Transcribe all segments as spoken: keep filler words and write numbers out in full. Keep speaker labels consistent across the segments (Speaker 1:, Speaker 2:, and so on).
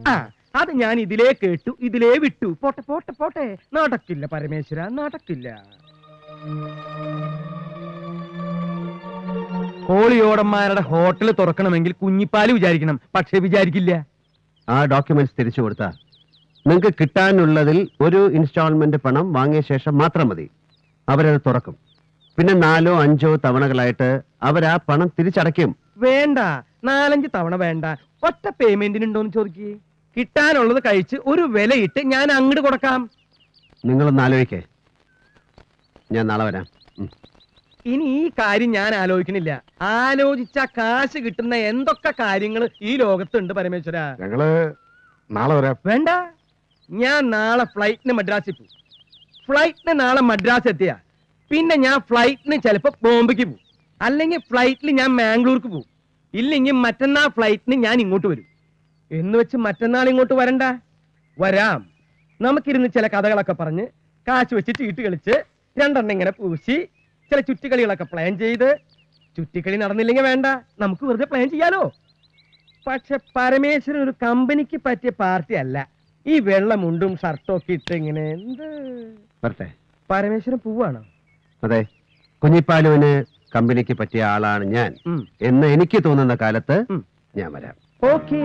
Speaker 1: അത് ഞാൻ ഇതിലേ കേട്ടു, ഇതിലേ വിട്ടു. പോട്ടെ പോട്ടെ പോട്ടെ, നടക്കില്ല പരമേശ്വര, നടക്കില്ല. കോളിയോടന്മാരുടെ ഹോട്ടൽ തുറക്കണമെങ്കിൽ കുഞ്ഞിപ്പാല് വിചാരിക്കണം, പക്ഷെ വിചാരിക്കില്ല.
Speaker 2: ആ ഡോക്യുമെന്റ്സ് തിരിച്ചു കൊടുത്താൽ നിങ്ങൾക്ക് കിട്ടാനുള്ളതിൽ ഒരു ഇൻസ്റ്റാൾമെന്റ് പണം വാങ്ങിയ ശേഷം മാത്രം മതി. അവരത് തുറക്കും. പിന്നെ നാലോ അഞ്ചോ തവണകളായിട്ട് അവരാ പണം തിരിച്ചടയ്ക്കും.
Speaker 1: വേണ്ട, നാലഞ്ച് തവണ വേണ്ട, ഒറ്റ പേയ്മെന്റിനുണ്ടോന്ന് ചോദിക്കേ. കിട്ടാനുള്ളത് കഴിച്ച് ഒരു വിലയിട്ട് ഞാൻ അങ്ങോട്ട് കൊടുക്കാം.
Speaker 2: നിങ്ങളൊന്ന് ആലോചിക്കേ, ഞാൻ നാളെ വരാം.
Speaker 1: ഇനി ഈ കാര്യം ഞാൻ ആലോചിക്കണില്ല. ആലോചിച്ച കാശ് കിട്ടുന്ന എന്തൊക്കെ കാര്യങ്ങൾ ഈ ലോകത്തുണ്ട് പരമേശ്വര.
Speaker 3: ഞങ്ങള് നാളെ വരാം.
Speaker 1: വേണ്ട, ഞാൻ നാളെ ഫ്ലൈറ്റിന് മദ്രാസിൽ പോകും. ഫ്ലൈറ്റിന് നാളെ മദ്രാസ് എത്തിയ പിന്നെ ഞാൻ ഫ്ലൈറ്റിന് ചിലപ്പോ ബോംബെക്ക് പോകും, അല്ലെങ്കിൽ ഫ്ലൈറ്റിൽ ഞാൻ മാംഗ്ലൂർക്ക് പോകും, ഇല്ലെങ്കിൽ മറ്റന്നാൾ ഫ്ലൈറ്റിന് ഞാൻ ഇങ്ങോട്ട് വരും. എന്ന് വെച്ച് മറ്റന്നാൾ ഇങ്ങോട്ട് വരണ്ട, വരാം. നമുക്കിരുന്ന് ചില കഥകളൊക്കെ പറഞ്ഞ് കാശ് വെച്ച് ചീട്ട് കളിച്ച് രണ്ടെണ്ണം ഇങ്ങനെ പൂശി ചില ചുറ്റിക്കളികളൊക്കെ പ്ലാൻ ചെയ്ത്, ചുറ്റിക്കളി നടന്നില്ലെങ്കിൽ വേണ്ട, നമുക്ക് വെറുതെ പ്ലാൻ ചെയ്യാലോ. പക്ഷെ പരമേശ്വരൻ ഒരു കമ്പനിക്ക് പറ്റിയ പാർട്ടി അല്ല. ഈ വെള്ളമുണ്ടും ഷർട്ടും ഒക്കെ ഇട്ട് ഇങ്ങനെ എന്ത്
Speaker 2: വരട്ടെ.
Speaker 1: പരമേശ്വരൻ പോവാണോ?
Speaker 2: അതെ, കുഞ്ഞിപ്പാലുവിന് കമ്പനിക്ക് പറ്റിയ ആളാണ് ഞാൻ എന്ന് എനിക്ക് തോന്നുന്ന കാലത്ത് ഞാൻ വരാം.
Speaker 1: ഓക്കേ.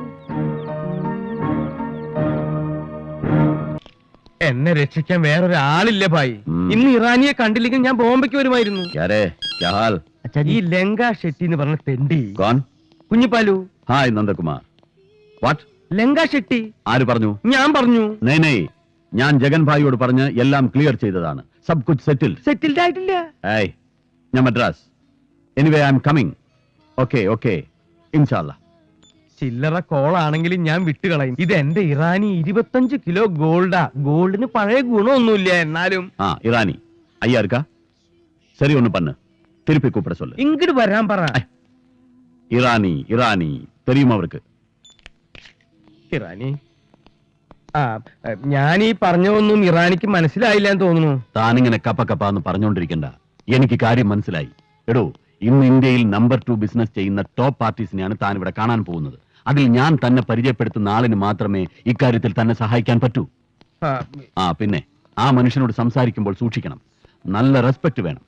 Speaker 1: എന്നെ രക്ഷിക്കാൻ വേറൊരാളില്ല ഭായി. ഇന്ന് ഇറാനിയെ കണ്ടില്ലെങ്കിൽ ഞാൻ ബോംബെക്ക് വരുമായിരുന്നു. ഈ ലങ്ക ഷെട്ടി എന്ന് പറഞ്ഞ തെണ്ടി. കുഞ്ഞിപ്പാലു.
Speaker 4: ഹായ് നന്ദകുമാർ. വാട്ട്?
Speaker 1: ലങ്ക ഷെട്ടി.
Speaker 4: ആര് പറഞ്ഞു?
Speaker 1: ഞാൻ പറഞ്ഞു.
Speaker 4: നേ നേ, ഞാൻ ജഗൻ ഭായിയോട് പറഞ്ഞ് എല്ലാം ക്ലിയർ ചെയ്തതാണ്. സബ് കുച്ച് സെറ്റിൽ.
Speaker 1: സെറ്റിൽഡ് ആയിട്ടില്ല.
Speaker 4: ഏയ്, ഞാൻ Madras. Anyway I am coming. Okay okay, ഇൻഷാല്ലാ.
Speaker 1: ചില്ലറ കോളാണെങ്കിലും ഞാൻ വിട്ടുകളയും. ഇത് എന്റെ ഇറാനി ഇരുപത്തഞ്ച് കിലോ ഗോൾഡാ. ഗോൾഡിന് പഴയ ഗുണമൊന്നുമില്ല, എന്നാലും.
Speaker 4: ആ ഇറാനി ஐயா இருக்கா? சரி ஒண்ணு பண்ணு, திருப்பி கூப்பிட சொல்லு.
Speaker 1: இங்கிட்டு வரான் പറ.
Speaker 4: ഇറാനി ഇറാനി தெரியுமா அவருக்கு?
Speaker 1: ഇറാനി? ആ, ഞാൻ ഈ പറഞ്ഞൊന്നും ഇറാനിക്ക് മനസ്സിലായില്ല എന്ന് തോന്നുന്നു.
Speaker 4: താനിങ്ങനെ കപ്പ കപ്പ എന്ന് പറഞ്ഞുകൊണ്ടിരിക്കണ്ട, എനിക്ക് കാര്യം മനസ്സിലായി. എടോ, ഇന്ന് ഇന്ത്യയിൽ നമ്പർ ടു ബിസിനസ് ചെയ്യുന്ന ടോപ്പ് പാർട്ടീസിനെയാണ് താൻ ഇവിടെ കാണാൻ പോകുന്നത്. അതിൽ ഞാൻ തന്നെ പരിചയപ്പെടുത്തുന്ന ആളിന് മാത്രമേ ഇക്കാര്യത്തിൽ തന്നെ സഹായിക്കാൻ പറ്റൂ. ആ പിന്നെ ആ മനുഷ്യനോട് സംസാരിക്കുമ്പോൾ സൂക്ഷിക്കണം, നല്ല റെസ്പെക്ട് വേണം.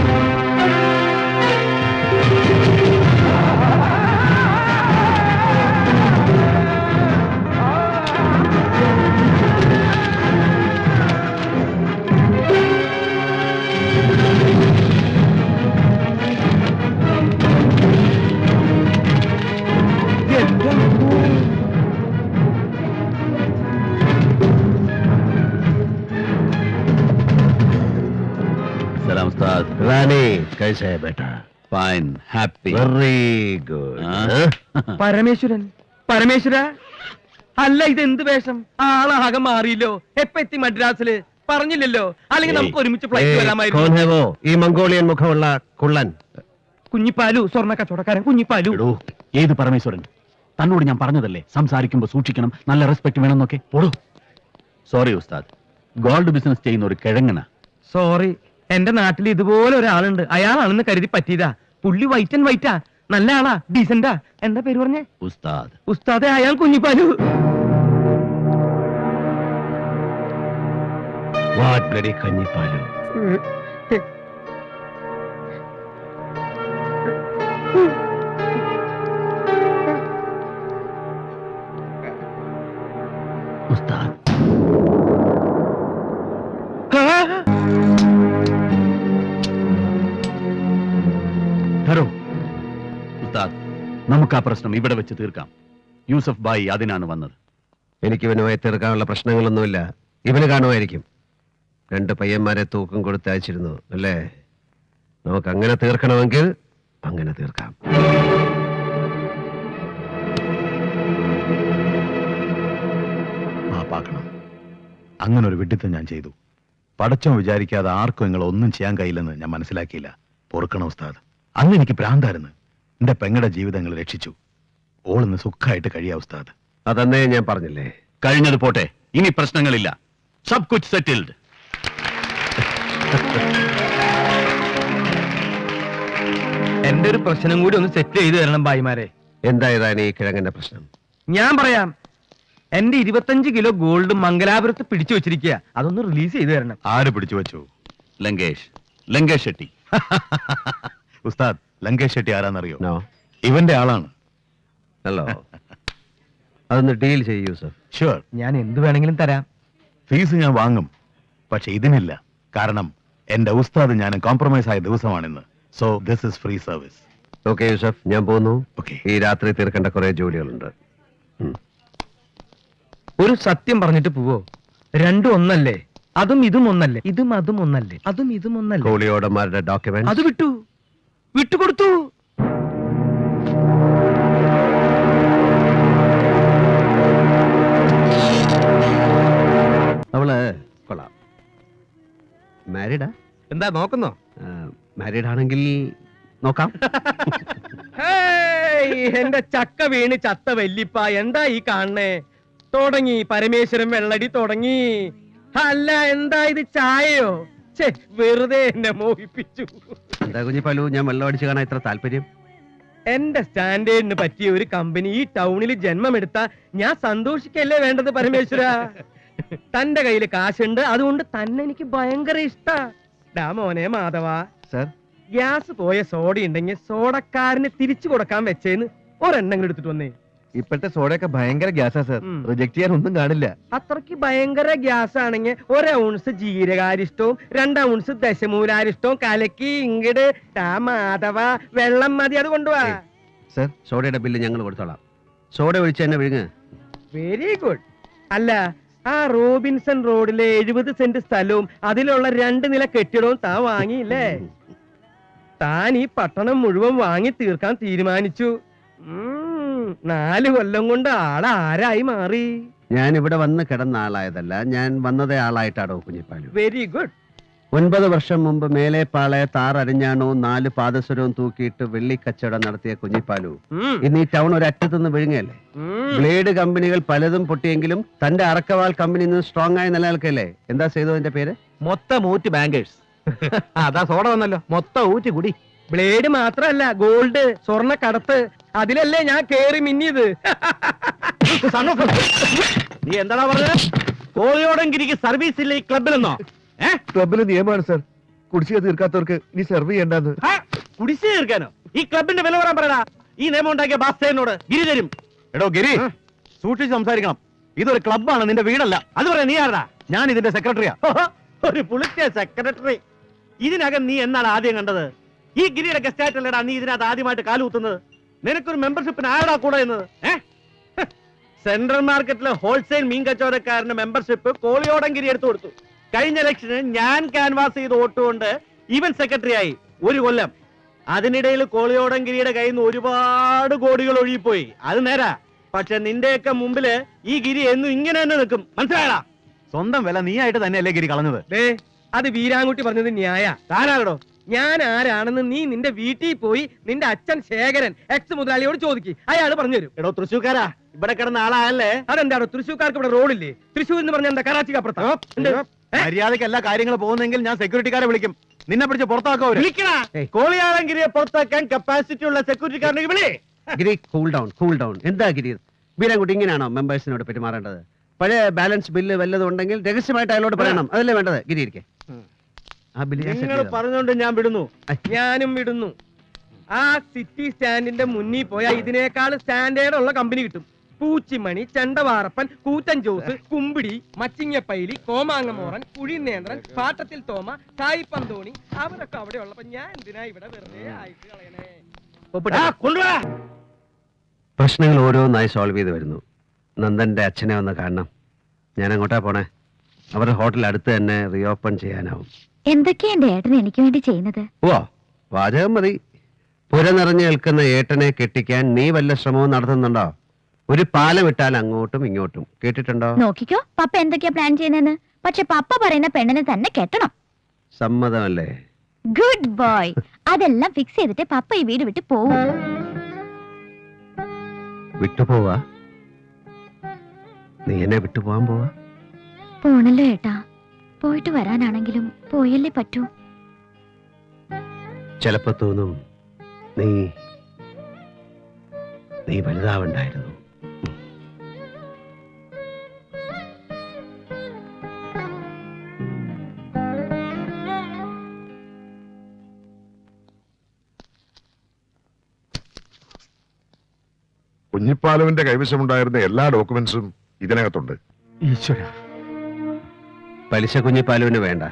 Speaker 2: रानी कैसे है बेटा?
Speaker 4: Fine, happy,
Speaker 2: very good.
Speaker 1: Parameswaran, Parameswara, അല്ല ഇത് എന്ത് വേഷം? ആളാകെ മാറിയില്ലോ. എപ്പ എത്തി മദ്രാസില്? പറഞ്ഞില്ലല്ലോ, അല്ലെങ്കിൽ നമുക്ക് ഒരുമിച്ച് ഫ്ലൈറ്റ് വരാമായിരുന്നു.
Speaker 2: कौन है वो? ഈ മംഗോളിയൻ മുഖമുള്ള കുള്ളൻ.
Speaker 1: കുഞ്ഞിപ്പാലു, സ്വർണ്ണ കച്ചവടക്കാരൻ കുഞ്ഞിപ്പാലു.
Speaker 4: ഏത് പരമേശ്വരൻ? തന്നോട് ഞാൻ പറഞ്ഞതല്ലേ സംസാരിക്കുമ്പോ സൂക്ഷിക്കണം, നല്ല റെസ്പെക്ട് വേണമെന്നൊക്കെ. ഓടോ. സോറി ഉസ്താദ്, ഗോൾഡ് ബിസിനസ് ചെയ്യുന്ന ഒരു കിഴങ്ങന.
Speaker 1: സോറി, എന്റെ നാട്ടിൽ ഇതുപോലെ ഒരാളുണ്ട്. അയാളാണെന്ന് കരുതി പറ്റിയതാ. പുള്ളി വൈറ്റ് ആൻഡ് വൈറ്റാ, നല്ല ആളാ, ഡീസന്റാ. എന്താ പേര് പറഞ്ഞേ?
Speaker 4: ഉസ്താദ്.
Speaker 1: ഉസ്താദെ, അയാൾ കുഞ്ഞിപ്പാലു.
Speaker 2: What bloody Kunjippalu?
Speaker 4: ഉസ്താദ്. ഉസ്താദ്, നമുക്ക് ആ പ്രശ്നം ഇവിടെ വെച്ച് തീർക്കാം. യൂസഫ് ബായി അതിനാണ് വന്നത്.
Speaker 2: എനിക്ക് ഇവനുമായി തീർക്കാനുള്ള പ്രശ്നങ്ങളൊന്നുമില്ല. ഇവന് കാണുമായിരിക്കും. രണ്ട് പയ്യന്മാരെ തൂക്കം കൊടുത്ത് അയച്ചിരുന്നു അല്ലേ? നമുക്ക് അങ്ങനെ തീർക്കണമെങ്കിൽ അങ്ങനെ തീർക്കാം.
Speaker 3: മാപ്പാക്കണം, അങ്ങനെ ഒരു വിഡ്ഢിത്തം ഞാൻ ചെയ്തു. പടച്ചോൻ വിചാരിക്കാതെ ആർക്കും നിങ്ങൾ ഒന്നും ചെയ്യാൻ കഴിയില്ലെന്ന് ഞാൻ മനസ്സിലാക്കിയില്ല. പൊറുക്കണം ഉസ്താദ്. അന്ന് എനിക്ക് ഭ്രാന്തായിരുന്നു. എന്റെ പെങ്ങളുടെ ജീവിതങ്ങൾ രക്ഷിച്ചു. ഓളിന്ന് സുഖമായിട്ട് കഴിയാ ഉസ്താദ്.
Speaker 2: അതന്നേ ഞാൻ പറഞ്ഞില്ലേ.
Speaker 4: കഴിഞ്ഞത് പോട്ടെ, ഇനി പ്രശ്നങ്ങളില്ല. സബ് കുച്ച് സെറ്റിൽഡ്.
Speaker 1: എന്റെ ഒരു പ്രശ്നം കൂടി ഒന്ന് സെറ്റ് ചെയ്തു തരണം ഭായിമാരെ.
Speaker 2: എന്തായതാണ് ഈ കിഴങ്ങന്റെ പ്രശ്നം?
Speaker 1: ഞാൻ പറയാം. എന്റെ ഇരുപത്തഞ്ച് കിലോ ഗോൾഡ് മംഗലാപുരത്ത് പിടിച്ചു വെച്ചിരിക്കുക, അതൊന്ന് റിലീസ് ചെയ്തു തരണം.
Speaker 3: ആര് പിടിച്ചു വെച്ചു?
Speaker 4: ലങ്കേഷ് ലങ്കേഷ് ഷെട്ടി.
Speaker 3: ഉസ്താദ്, ലങ്കേഷ് ഷെട്ടി ആരാന്നറിയോ?
Speaker 2: നോ.
Speaker 3: ഇവന്റെ ആളാണ്.
Speaker 2: ഹലോ, അതൊന്ന് ഡീൽ ചെയ്യൂ യൂസഫ്.
Speaker 3: ഷുവർ.
Speaker 1: ഞാൻ എന്ത് വേണമെങ്കിലും തരാം.
Speaker 3: ഫീസ് ഞാൻ വാങ്ങും, പക്ഷെ ഇതിനില്ല. കാരണം എന്റെ ഉസ്താദ് ഞാൻ കോംപ്രമൈസ് ആയ ദിവസമാണിന്ന്. So this is free service.
Speaker 2: Okay Yusuf, ഞാൻ പോകുന്നു.
Speaker 3: ഓക്കെ.
Speaker 2: ഈ രാത്രി തീർക്കേണ്ട കുറെ ജോലികളുണ്ട്. ഉം.
Speaker 1: ഒരു സത്യം പറഞ്ഞിട്ട് പോവോ? രണ്ടും ഒന്നല്ലേ? അതും ഇതും ഒന്നല്ലേ? ഇതും അതും ഒന്നല്ലേ? അതും ഇതും ഒന്നല്ലേ?
Speaker 2: കോളിയോടന്മാരുടെ ഡോക്യുമെന്റ്
Speaker 1: അത് വിട്ടു വിട്ടുകൊടുത്തു.
Speaker 2: അവള് കൊള്ളാം. മാരീഡാ?
Speaker 1: എന്താ നോക്കുന്നോ?
Speaker 2: മാരീഡ് ആണെങ്കിൽ നോക്കാം.
Speaker 1: ഹേയ്, എന്റെ ചക്ക വീണ് ചത്ത വല്ലിപ്പ, എന്താ ഈ കാണണേ? തുടങ്ങി പരമേശ്വരൻ വെള്ളടി തുടങ്ങി. അല്ല, എന്താ ഇത്, ചായയോ? ഛെ, വെറുതെ എന്നെ മോഹിപ്പിച്ചു.
Speaker 2: എന്താ കുഞ്ഞിപ്പാലു, ഞാൻ വെള്ളം അടിച്ചു കാണാൻ ഇത്ര താല്പര്യം?
Speaker 1: എന്റെ സ്റ്റാൻഡേർഡിന് പറ്റിയ ഒരു കമ്പനി ഈ ടൗണിൽ ജന്മമെടുത്ത ഞാൻ സന്തോഷിക്കല്ലേ വേണ്ടത് പരമേശ്വര. തന്റെ കയ്യിൽ കാശുണ്ട്, അതുകൊണ്ട് തന്നെ എനിക്ക് ഭയങ്കര ഇഷ്ടാ. ഡാ മോനെ മാധവ,
Speaker 2: സർ,
Speaker 1: ഗ്യാസ് പോയ സോഡ ഉണ്ടെങ്കിൽ സോഡക്കാരന് തിരിച്ചു കൊടുക്കാൻ വെച്ചേന്ന് ഒരെണ്ണം എടുത്തിട്ട് വന്നേ.
Speaker 5: ഇപ്പോഴത്തെ സോഡയൊക്കെ ഭയങ്കര ഗ്യാസാ സർ,
Speaker 1: ഉം.
Speaker 5: റിജക്ട് ചെയ്യാൻ ഒന്നും കാണില്ല.
Speaker 1: അത്രക്ക് ഭയങ്കര ഗ്യാസ് ആണെങ്കിൽ ഒരു ഔൺസ് ജീരകാരിഷ്ടവും രണ്ട് ഔൺസ് ദശമൂലാരിഷ്ടവും കലക്കി ഇങ്ങട് ടാ മാധവ, വെള്ളം മതി, അത് കൊണ്ടുപോവാ.
Speaker 2: സർ, സോഡയുടെ ബില്ല് ഞങ്ങൾ കൊടുത്തോളാം. സോഡ ഒഴിച്ച് തന്നെ വിഴുങ്ങ്.
Speaker 1: Very good. അല്ല, ആ റോബിൻസൺ റോഡിലെ എഴുപത് സെന്റ് സ്ഥലവും അതിലുള്ള രണ്ട് നില കെട്ടിടവും താൻ വാങ്ങിയില്ലേ? താൻ ഈ പട്ടണം മുഴുവൻ വാങ്ങി തീർക്കാൻ തീരുമാനിച്ചു. ഉം, നാല് കൊല്ലം കൊണ്ട് ആളാരായി മാറി.
Speaker 2: ഞാൻ ഇവിടെ വന്ന് കിടന്ന ആളായതല്ല, ഞാൻ വന്നതേ ആളായിട്ടാടോ കുഞ്ഞിപ്പാലു.
Speaker 1: Very good.
Speaker 2: ഒൻപത് വർഷം മുമ്പ് മേലെപ്പാളെ താറരിഞ്ഞാണോ നാല് പാദസരവും തൂക്കിയിട്ട് വെള്ളിക്കച്ചവടം നടത്തിയ കുഞ്ഞിപ്പാലു
Speaker 1: ഉം,
Speaker 2: ഇന്ന് ഈ ടൗൺ ഒരു അറ്റത്തുനിന്ന് വിഴുങ്ങല്ലേ.
Speaker 1: ഉം.
Speaker 2: ബ്ലേഡ് കമ്പനികൾ പലതും പൊട്ടിയെങ്കിലും തന്റെ അറക്കവാൾ കമ്പനി ഇന്ന് സ്ട്രോങ് ആയി നിലനിൽക്കല്ലേ. എന്താ ചെയ്തതിന്റെ പേര്?
Speaker 5: മൊത്തം ഊറ്റ് ബാങ്കേഴ്സ്. അതാ സോഡ വന്നല്ലോ, മൊത്തം ഊറ്റ് കുടി.
Speaker 1: ബ്ലേഡ് മാത്രല്ല, ഗോൾഡ്, സ്വർണ്ണ കടത്ത്, അതിലല്ലേ ഞാൻ കേറി മിന്നിയത്.
Speaker 5: നീ എന്താടാ പറഞ്ഞത്? കോളിയോടെങ്കിരിക്ക് സർവീസ് ഇല്ല ഈ ക്ലബിലെന്നോ? ക്ലബിലെ നിയമമാണ് സർ, കുടിശ്ശിക തീർക്കാത്തവർക്ക് ഇനി സെർവ് ചെയ്യണ്ടെന്ന്. കുടിശ്ശിക തീർക്കാനോ? ഈ ക്ലബിന്റെ വില പറയാൻ പറയടാ. ഈ നിയമം ഉണ്ടാക്കിയ ബാസ്തേനോട് ഗിരി തരും.
Speaker 3: എടോ ഗിരി, സൂക്ഷിച്ച് സംസാരിക്കണം. ഇതൊരു ക്ലബ്ബാണ്, നിന്റെ വീടല്ല.
Speaker 5: അത് പറയാ നീ ആരടാ?
Speaker 3: ഞാൻ ഇതിന്റെ സെക്രട്ടറിയാ.
Speaker 5: ഒരു പുളിച്ച സെക്രട്ടറി. ഇതിനകം നീ എന്നാണ് ആദ്യം കണ്ടത്? ഈ ഗിരിയുടെ ഗസ്റ്റായിട്ടല്ലടാ നീ ഇതിനകത്ത് ആദ്യമായിട്ട് കാലുകുത്തുന്നത്. നിനക്കൊരു മെമ്പർഷിപ്പിന് ആരടാ കൂടെ എന്നത്? സെൻട്രൽ മാർക്കറ്റിലെ ഹോൾസെയിൽ മീൻ കച്ചവടക്കാരന് മെമ്പർഷിപ്പ് കോളിയോടങ്കിരി എടുത്തു കൊടുത്തു. കഴിഞ്ഞ ഇലക്ഷന് ഞാൻ ക്യാൻവാസ് ചെയ്ത് വോട്ടുകൊണ്ട് ഇവൻ സെക്രട്ടറി ആയി ഒരു കൊല്ലം. അതിനിടയിൽ കോളിയോടങ്കിരിയുടെ കയ്യിൽ നിന്ന് ഒരുപാട് കോടികൾ ഒഴുകിപ്പോയി. അത് നേരാ. പക്ഷെ നിന്റെയൊക്കെ മുമ്പില് ഈ ഗിരി എന്നും ഇങ്ങനെ തന്നെ നിൽക്കും. മനസ്സിലായടാ?
Speaker 3: സ്വന്തം വില നീയായിട്ട് തന്നെയല്ലേ ഗിരി കളഞ്ഞത്?
Speaker 1: ദേ, അത് വീരാൻകുട്ടി പറഞ്ഞത് ന്യായ.
Speaker 5: താനാകടോ?
Speaker 1: ഞാൻ ആരാണെന്ന് നീ നിന്റെ വീട്ടിൽ പോയി നിന്റെ അച്ഛൻ ശേഖരൻ എക്സ് മുതലാളിയോട് ചോദിക്കും, അയാൾ പറഞ്ഞു തരും.
Speaker 5: എടോ തൃശ്ശൂക്കാരാ, ഇവിടെ കിടന്ന ആളായല്ലേ?
Speaker 1: അതെന്താണോ തൃശ്ശൂർക്കാർക്ക് ഇവിടെ റോഡില്ലേ? തൃശ്ശൂർ എന്ന് പറഞ്ഞ എന്താ കറാച്ചിക്ക് അപ്പുറത്താ?
Speaker 3: മര്യാദയ്ക്ക് എല്ലാ കാര്യങ്ങളും പോകുന്നെങ്കിൽ ഞാൻ സെക്യൂരിറ്റിക്കാരെ വിളിക്കും. നിന്നെ പിടിച്ച് പുറത്താക്കോ അവര്?
Speaker 5: വിളിക്കണ കോളിയാളങ്കിരിയെ പുറത്താക്കാൻ കപ്പാസിറ്റി ഉള്ള സെക്യൂരിറ്റിക്കാരനെ വിളി.
Speaker 2: Giri, cool down, cool down. എന്താ ഗിരി, വീരാൻകുട്ടി ഇങ്ങനെയാണോ മെമ്പേഴ്സിനോട് പെരുമാറേണ്ടത്? പഴയ ബാലൻസ് ബില്ല് വല്ലതും ഉണ്ടെങ്കിൽ രഹസ്യമായിട്ട് അയാളോട് പറയണം. അതല്ലേ വേണ്ടത്? ഗിരി ഇരിക്കെ. ആ ബില്ല് ഞാൻ set
Speaker 5: നിങ്ങൾ
Speaker 2: ചെയ്തോളാം.
Speaker 5: പറഞ്ഞോണ്ട് ഞാൻ വിടുന്നു.
Speaker 1: ഞാനും വിടുന്നു. ആ സിറ്റി സ്റ്റാൻഡിന്റെ മുന്നിൽ പോയാൽ ഇതിനേക്കാൾ സ്റ്റാൻഡേർഡ് ഉള്ള കമ്പനി കിട്ടും. പൂച്ചിമണി, ചെണ്ടവാറപ്പൻ, കൂറ്റൻ ജോസ്, കുമ്പിടി, മച്ചിങ്ങപ്പൈലി, കോമാങ്ങമോറൻ, കുഴിനേന്ദ്രൻ, പാട്ടത്തിൽ തോമ, സായി പന്തോണി, അവരൊക്കെ അവിടെ ഉള്ളപ്പോ ഞാൻ എന്തിനാ ഇവിടെ വെറുതെ ആയിട്ട് കളയണേ?
Speaker 5: ആ, കൊണ്ടുവാ.
Speaker 2: പ്രശ്നങ്ങൾ ഓരോന്നായി സോൾവ് ചെയ്ത് വരുന്നു. നന്ദന്റെ അച്ഛനെ ഒന്ന് കാണണം. ഞാൻ അങ്ങോട്ടാ പോണേ. അവരുടെ ഹോട്ടൽ അടുത്ത് തന്നെ റീഓപ്പൺ ചെയ്യാനാവും.
Speaker 6: എന്തൊക്കെയാ എന്റെ ഏട്ടൻ എനിക്ക് വേണ്ടി ചെയ്യുന്നത്?
Speaker 2: ഓ, വാചകം മതി. പുര നിറഞ്ഞു നിൽക്കുന്ന ഏട്ടനെ കെട്ടിക്കാൻ നീ വല്ല ശ്രമവും നടത്തുന്നുണ്ടോ? ഒരു പാലം ഇട്ടാൽ അങ്ങോട്ടും ഇങ്ങോട്ടും. കേട്ടിട്ടുണ്ടോ?
Speaker 6: നോക്കിക്കോ പപ്പ എന്തൊക്കെയാ പ്ലാൻ ചെയ്യുന്നതെന്ന്. പക്ഷെ പപ്പ പറയുന്ന പെണ്ണിനെ തന്നെ കെട്ടണം.
Speaker 2: സമ്മതമല്ലേ?
Speaker 6: Good boy. അതെല്ലാം ഫിക്സ് ചെയ്തിട്ട് പപ്പ ഈ വീട് വിട്ട് പോവും.
Speaker 2: വിട്ടുപോവാ? നീ എന്നെ വിട്ടുപോവാൻ പോവാ?
Speaker 6: പോണല്ലോ ഏട്ടാ. പോയിട്ട് വരാനാണെങ്കിലും പോയല്ലേ പറ്റൂ.
Speaker 2: ചിലപ്പോ തോന്നും നീ നീ വലുതാവണ്ടായിരുന്നു.
Speaker 7: കുഞ്ഞിപ്പാലുവിന്റെ കൈവശമുണ്ടായിരുന്ന എല്ലാ ഡോക്യുമെന്റ്സും ഇതിനകത്തുണ്ട്.
Speaker 3: ഈശ്വര,
Speaker 2: പലിശ കുഞ്ഞിപ്പാലുവിന് വേണ്ട.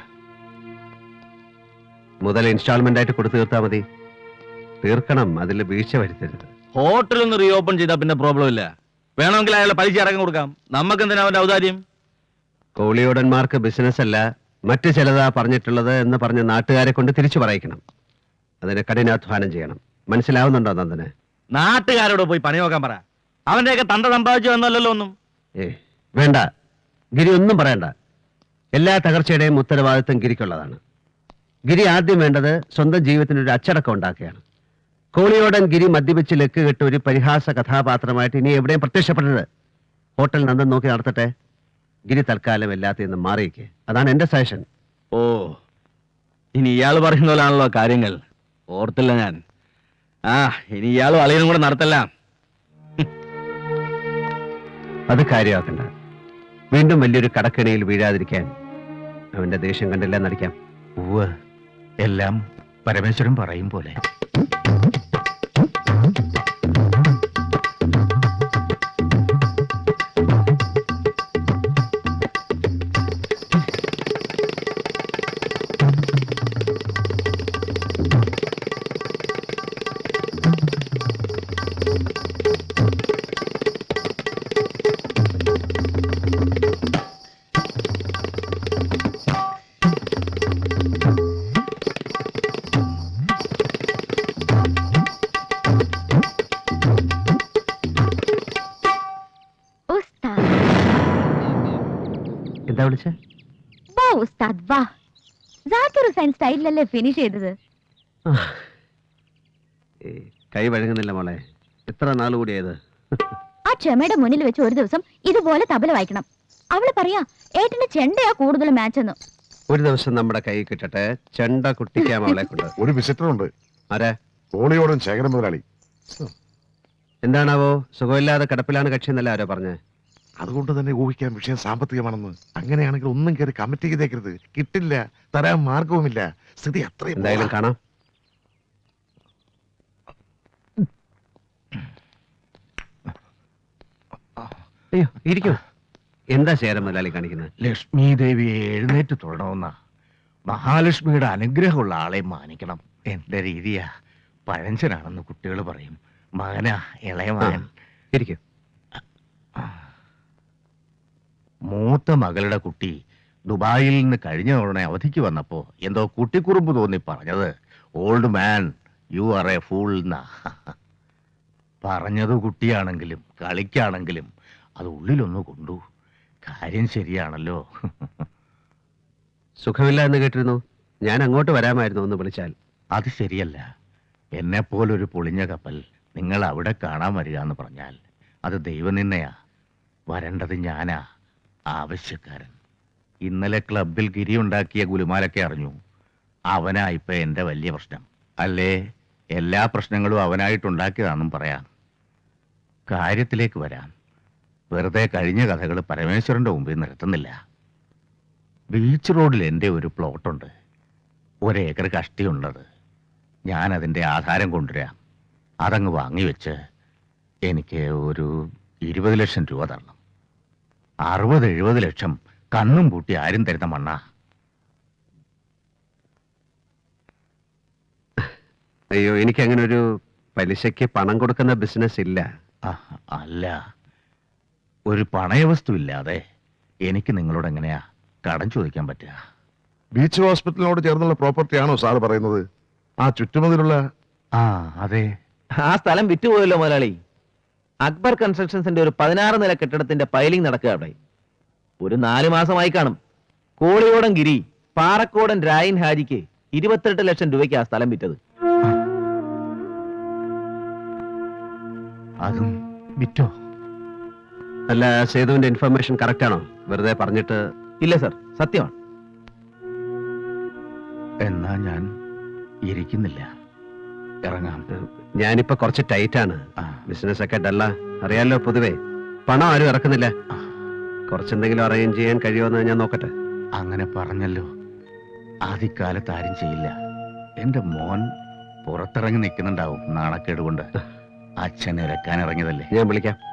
Speaker 2: മുതൽ ഇൻസ്റ്റാൾമെന്റ് ആയിട്ട് കൊടുത്തു തീർത്താൽ മതി. തീർക്കണം, അതിൽ വീഴ്ച വരുത്തരുത്.
Speaker 5: ഹോട്ടൽ ഒന്ന് റീ ഓപ്പൺ ചെയ്താൽ പിന്നെ പ്രോബ്ലം ഇല്ല. വേണമെങ്കിൽ അയാളെ പലിശ ഇറങ്ങി കൊടുക്കാം. നമുക്ക് എന്തിനാ അവന്റെ ഔദാര്യം?
Speaker 2: കോളിയോടന്മാർക്ക് ബിസിനസ് അല്ല മറ്റു ചിലതാ പറഞ്ഞിട്ടുള്ളത് എന്ന് പറഞ്ഞ് നാട്ടുകാരെ കൊണ്ട് തിരിച്ചു പറയിക്കണം. അതിന് കഠിനാധ്വാനം ചെയ്യണം. മനസ്സിലാവുന്നുണ്ടോ നന്ദന്?
Speaker 5: നാട്ടുകാരോട് പോയി പണി നോക്കാൻ പറ. അവന്റെയൊക്കെ തണ്ട സമ്പാദിച്ചു എന്നല്ലല്ലോ ഒന്നും.
Speaker 2: ഏ വേണ്ട, ഗിരി ഒന്നും പറയണ്ട. എല്ലാ തകർച്ചയുടെയും ഉത്തരവാദിത്വം ഗിരിക്കുള്ളതാണ്. ഗിരി ആദ്യം വേണ്ടത് സ്വന്തം ജീവിതത്തിന് ഒരു അച്ചടക്കം ഉണ്ടാക്കുകയാണ്. കോളിയോടൻ ഗിരി മദ്യപിച്ച് ലക്ക് കെട്ട് ഒരു പരിഹാസ കഥാപാത്രമായിട്ട് ഇനി എവിടെയും പ്രത്യക്ഷപ്പെടരുത്. ഹോട്ടൽ നന്ദൻ നോക്കി നടത്തട്ടെ. ഗിരി തൽക്കാലം എല്ലാത്തിൽ നിന്നും മാറിയിക്കേ. അതാണ് എന്റെ സജഷൻ.
Speaker 5: ഓ, ഇനി ഇയാൾ പറയുന്ന പോലാണല്ലോ കാര്യങ്ങൾ. ഓർത്തില്ല ഞാൻ. ആ, ഇനി ഇയാളും അളിയനും കൂടെ നടത്തല്ല.
Speaker 2: അത് കാര്യമാക്കണ്ട. വീണ്ടും വലിയൊരു കടക്കണിയിൽ വീഴാതിരിക്കാൻ അവന്റെ ദേഷ്യം കണ്ടില്ല നടിക്കാം.
Speaker 3: ഉവ്വ്, എല്ലാം പരമേശ്വരൻ പറയും പോലെ.
Speaker 6: ഉസ്താദ്,
Speaker 2: എന്താ വിളിച്ച?
Speaker 6: വാ ഉസ്താദ് വാ. ജാക്കിർ ഹുസൈൻ സ്റ്റൈലിലല്ലേ ഫിനിഷ് ചെയ്തത്.
Speaker 2: കൈ വഴങ്ങുന്നില്ല മോളെ. എത്ര നാൾ കൂടിയത്?
Speaker 6: ആ ക്ഷമയുടെ മുന്നിൽ വെച്ച് ഒരു ദിവസം ഇതുപോലെ തബല വായിക്കണം. അവള് പറയാ ഏട്ടന്റെ ചെണ്ടയാ കൂടുതൽ മാച്ച് എന്ന്.
Speaker 2: ഒരു ദിവസം നമ്മുടെ കൈ കിട്ടട്ടെ, ചെണ്ട കുട്ടിക്കാം അവളെ കൊണ്ട്.
Speaker 7: ഒരു വിസിറ്റർ ഉണ്ട്.
Speaker 2: ആരാ?
Speaker 7: കോളിയോടൻ ശേഖരൻ മുതലാളി.
Speaker 2: എന്താണാവോ, സുഖമില്ലാതെ കിടപ്പിലാണ് കക്ഷി എന്നല്ല ആരോ പറഞ്ഞേ?
Speaker 7: അതുകൊണ്ട് തന്നെ ഊഹിക്കാൻ വിഷയം സാമ്പത്തികമാണെന്ന്. അങ്ങനെയാണെങ്കിൽ ഒന്നും കയറി കമ്മിറ്റി ചെയ്തേക്കരുത്. കിട്ടില്ല, തരാൻ മാർഗവുമില്ല. സ്ഥിതി അത്രയും.
Speaker 2: എന്തായാലും കാണാം. അയ്യോ, ഇരിക്കൂ. എന്താ ശേരം മുതലാളി കാണിക്കുന്നത്?
Speaker 3: ലക്ഷ്മി ദേവിയെ എഴുന്നേറ്റ് തൊഴണമെന്ന മഹാലക്ഷ്മിയുടെ അനുഗ്രഹമുള്ള ആളെ മാനിക്കണം. എന്റെ രീതിയാ. പഴഞ്ചനാണെന്ന് കുട്ടികൾ പറയും. മകനാ, ഇളയ മകൻ.
Speaker 2: ഇരിക്കൂ.
Speaker 3: മൂത്ത മകളുടെ കുട്ടി ദുബായിൽ നിന്ന് കഴിഞ്ഞ തവണ അവധിക്ക് വന്നപ്പോ എന്തോ കുട്ടിക്കുറുമ്പ് തോന്നി പറഞ്ഞത് old man you are a fool എന്നാ. പറഞ്ഞത് കുട്ടിയാണെങ്കിലും കളിക്കാണെങ്കിലും അത് ഉള്ളിലൊന്ന് കൊണ്ടു. കാര്യം ശരിയാണല്ലോ.
Speaker 2: സുഖമില്ല എന്ന് കേട്ടിരുന്നു. ഞാൻ അങ്ങോട്ട് വരാമായിരുന്നു ഒന്ന് വിളിച്ചാൽ.
Speaker 3: അത് ശരിയല്ല. എന്നെപ്പോലൊരു പൊളിഞ്ഞ കപ്പൽ നിങ്ങൾ അവിടെ കാണാൻ വരിക എന്ന് പറഞ്ഞാൽ അത് ദൈവനിന്നയാ. വരേണ്ടത് ഞാനാ, ആവശ്യക്കാരൻ. ഇന്നലെ ക്ലബിൽ ഗിരി ഉണ്ടാക്കിയ ഗുലുമാലൊക്കെ അറിഞ്ഞു. അവനാ ഇപ്പൊ എന്റെ വലിയ പ്രശ്നം. അല്ലേ, എല്ലാ പ്രശ്നങ്ങളും അവനായിട്ടുണ്ടാക്കിയതാണെന്നും പറയാം. കാര്യത്തിലേക്ക് വരാം. വെറുതെ കഴിഞ്ഞ കഥകൾ പരമേശ്വരന്റെ മുമ്പിൽ നിർത്തുന്നില്ല. ബീച്ച് റോഡിൽ എൻ്റെ ഒരു പ്ലോട്ടുണ്ട്. ഒരേക്കർ കഷ്ടിയുള്ളത്. ഞാൻ അതിൻ്റെ ആധാരം കൊണ്ടുവരാം. അതങ്ങ് വാങ്ങിവെച്ച് എനിക്ക് ഒരു ഇരുപത് ലക്ഷം രൂപ തരണം. അറുപത് എഴുപത് ലക്ഷം കണ്ണും പൂട്ടി ആരും തരുന്ന മണ്ണാ.
Speaker 2: അയ്യോ, എനിക്ക് അങ്ങനെ ഒരു പലിശയ്ക്ക് പണം കൊടുക്കുന്ന ബിസിനസ് ഇല്ല.
Speaker 3: ആ, അല്ല, ഒരു പണയവസ്തു ഇല്ലാതെ എനിക്ക് നിങ്ങളോട് എങ്ങനെയാ കടം ചോദിക്കാൻ പറ്റുക?
Speaker 7: ബീച്ച് ഹോസ്പിറ്റലിനോട് ചേർന്നുള്ള പ്രോപ്പർട്ടിയാണോ സാറ് പറയുന്നത്? ആ ചുറ്റുമതിലുള്ള?
Speaker 3: ആ, അതെ.
Speaker 5: ആ സ്ഥലം വിറ്റുപോയല്ലോ മുതലാളി. അക്ബർ കൺസ്ട്രക്ഷൻസിന്റെ ഒരു പതിനാറ് നില കെട്ടിടത്തിന്റെ പൈലിംഗ് നടക്കുക അവിടെ. ഒരു നാല് മാസമായി കാണും. കോളിയോടൻ ഗിരി പാറക്കോടൻ രായൻ ഹാജിക്ക് ഇരുപത്തെട്ട് ലക്ഷം രൂപയ്ക്ക് ആ സ്ഥലം വിറ്റത്.
Speaker 3: അതും വിറ്റോ?
Speaker 2: അല്ല, സേതുവിന്റെ ഇൻഫർമേഷൻ കറക്റ്റ് ആണോ? വെറുതെ പറഞ്ഞിട്ട്.
Speaker 5: ഇല്ല സർ, സത്യമാണ്.
Speaker 3: എന്നാ ഞാൻ ഇരിക്കുന്നില്ല, ഇറങ്ങാം.
Speaker 2: ഞാനിപ്പോ കുറച്ച് ടൈറ്റാണ്.
Speaker 3: ആ.
Speaker 2: ബിസിനസ് ഒക്കെ ഡല്ല, അറിയാലോ. പൊതുവേ പണം ആരും ഇറക്കുന്നില്ല. കുറച്ചെന്തെങ്കിലും അറേഞ്ച് ചെയ്യാൻ കഴിയുമെന്ന് ഞാൻ നോക്കട്ടെ.
Speaker 3: അങ്ങനെ പറഞ്ഞല്ലോ. ആദ്യകാലത്ത് ആരും ചെയ്യില്ല. എന്റെ മോൻ പുറത്തിറങ്ങി നിൽക്കുന്നുണ്ടാവും നാണക്കേട് കൊണ്ട്.
Speaker 4: അച്ഛനെ ഇറക്കാൻ ഇറങ്ങിയതല്ലേ.
Speaker 2: ഞാൻ വിളിക്കാം.